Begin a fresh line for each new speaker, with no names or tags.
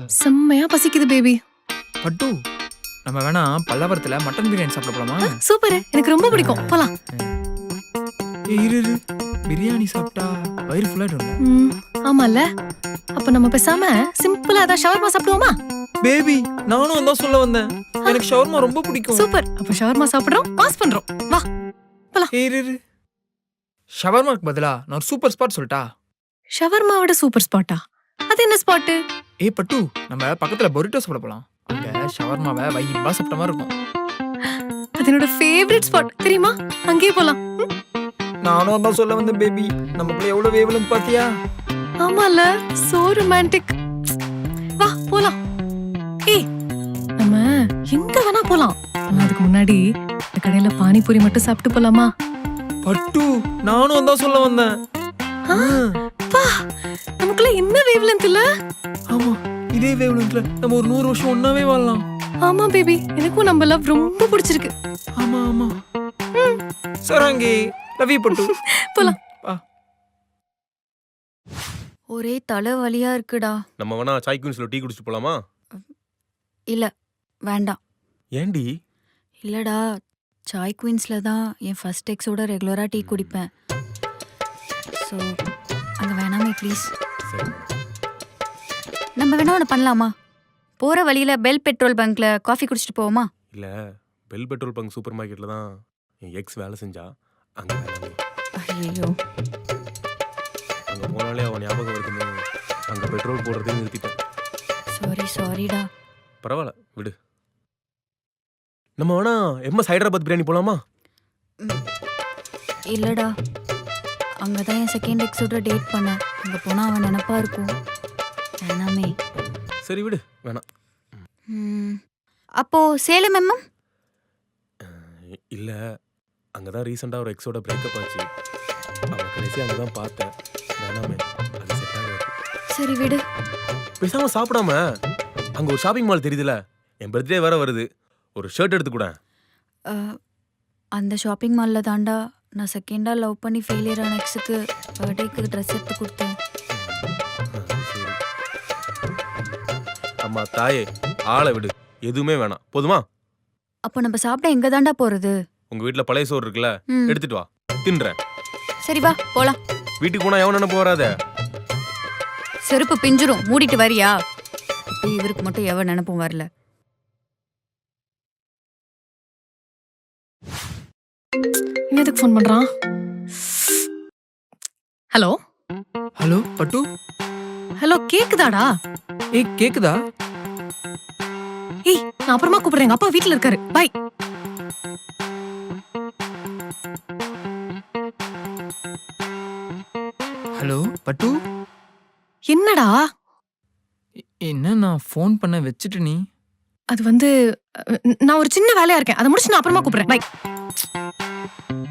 செம்மையா பசிக்குது பேபி.
பட்டு நம்ம வேணா பல்லவரத்துல மட்டன் பிரியாணி சாப்பிட போலாமா?
சூப்பர், எனக்கு ரொம்ப பிடிக்கும். போலாம்.
இரு பிரியாணி சாப்பிட்டா வயிறு ஃபுல்லாயிடும்ல.
ஆமால. அப்ப நம்ம பேசாம சிம்பிளா ஏதாவது ஷவர்மா சாப்பிடுவோமா?
பேபி நானும் அதான் சொல்ல வந்தேன். எனக்கு ஷவர்மா ரொம்ப பிடிக்கும்.
சூப்பர், அப்ப ஷவர்மா சாப்பிடுறோம், பாஸ் பண்றோம். வா போலாம்.
இரு ஷவர்மாக்கு பதிலா நான் ஒரு சூப்பர் ஸ்பாட் சொல்லட்டா?
ஷவர்மாவோட சூப்பர் ஸ்பாட்டா? அது என்ன ஸ்பாட்?
பட்டு நம்ம பக்கத்துல பொரிட்டோ சாப்பிட போலாம். அங்க ஷவர்மாவை வைபா சாப்பிட்ட மாதிரி இருக்கும்.
அது என்னோட ஃபேவரட் ஸ்பாட் தெரியுமா? அங்கேயே போலாம்.
நானும் அதான் சொல்ல வந்தேன் பேபி. நமக்குள்ள எவ்வளவு வேவலன்னு பாத்தியா?
ஆமால, சோ ரொமான்டிக். வா போலாம். நம்ம எங்க வேணா போலாம். அதுக்கு முன்னாடி இந்த கடையில பானிபூரி மட்டும் சாப்பிட்டு போலாமா?
பட்டு நானும் அதான் சொல்ல வந்தேன்.
நமக்குள்ள என்ன வேவ்லென்த் இல்ல?
ஆமா, இதே வேவ்லென்த்ல நம்ம ஒரு 100 வருஷம் ஒன்னாவே வாழலாம்.
ஆமா பேபி, எனக்கும் நம்ம லவ் ரொம்ப பிடிச்சிருக்கு.
ஆமா சரங்கி லவ் யூ பட்டு.
போலாம்.
ஒரே தலை வலியா இருக்குடா.
நம்ம வேணா சாய் குயின்ஸ்ல டீ குடிச்சிட்டு போலாமா?
இல்ல, வேண்டாம்.
ஏண்டி?
இல்லடா, சாய் குயின்ஸ்ல தான் என் ஃபர்ஸ்ட் எக்ஸோட ரெகுலரா டீ குடிப்பேன். ஸோ அங்க வேணாமே ப்ளீஸ். நம்ம வேணா ஒன்று பண்ணலாமா? போற வழியில பெல் பெட்ரோல் பங்க்ல காஃபி குடிச்சிட்டு போவோமா?
இல்ல, பெல் பெட்ரோல் பங்க் சூப்பர் மார்க்கெட்ல தான் என் எக்ஸ் வேலை செஞ்சா. அங்க வேணாமே.
ஐயோ,
அங்க போனாலே அவன் ஞாபகம் வருதுன்னு அங்க பெட்ரோல் போடுறதே நிறுத்திட்டேன்.
சாரிடா.
பரவாயில்ல விடு. நம்ம வேணா எம்எஸ் ஹைதராபாத் பிரியாணி போலாமா?
இல்லடா, அங்கதான் என் செகண்ட் எக்ஸோட டேட் பண்ணேன். அங்க போனா அவன் நினைப்பா இருக்கும். வேணாமே.
சரி விடு, வேணாம்.
அப்போ சேலம் எம்எம்?
இல்ல, அங்கதான் ரீசெண்டா ஒரு எக்ஸோட பிரேக்கப் ஆச்சு. அவளை கடைசி அங்கதான் பார்த்தேன். வேணாமே, அது செட் ஆகாது.
சரி விடு.
பேசாம சாப்பிடாம அங்க ஒரு ஷாப்பிங் மால் தெரியுதுல, என் பர்த்டே வேற வருது, ஒரு ஷர்ட் எடுத்து கூட.
அந்த ஷாப்பிங் மால்ல தாண்டா நான் செகண்டா லவ் பண்ணி ஃபெயிலியர் ஆன எக்ஸுக்கு பர்த்டேக்கு ட்ரெஸ் எடுத்து கொடுத்தேன்.
அம்மா தாயே, ஆளை விடு, எதுவுமே வேணாம் போதுமா?
அப்போ நம்ம சாப்பிட எங்க தாண்டா போறது?
உங்க வீட்ல பழைய சோறு இருக்குல்ல, எடுத்துட்டு வா, தின்றேன்.
சரி வா போலாம்.
வீட்டுக்கு போனா எவன் நினைப்பு வராத.
செருப்பு பிஞ்சிரும், மூடிட்டு வரியா? இப்போ இவருக்கு மட்டும் எவன் நினைப்பும் வரல.
எதுக்கு ஃபோன் பண்றான்? ஹலோ
ஹலோ பட்டு.
ஹலோ, கேக்குதாடா?
கேக்குதா?
நான் அப்புறமா கூப்பிடுறேன். எங்க அப்பா வீட்ல இருக்காரு. பை.
ஹலோ பட்டு.
என்னடா?
என்ன நான் ஃபோன் பண்ண வச்சுட்டு நீ?
அது வந்து நான் ஒரு சின்ன வேலையா இருக்கேன். அதை முடிச்சு நான் அப்புறமா கூப்பிடுறேன். பை.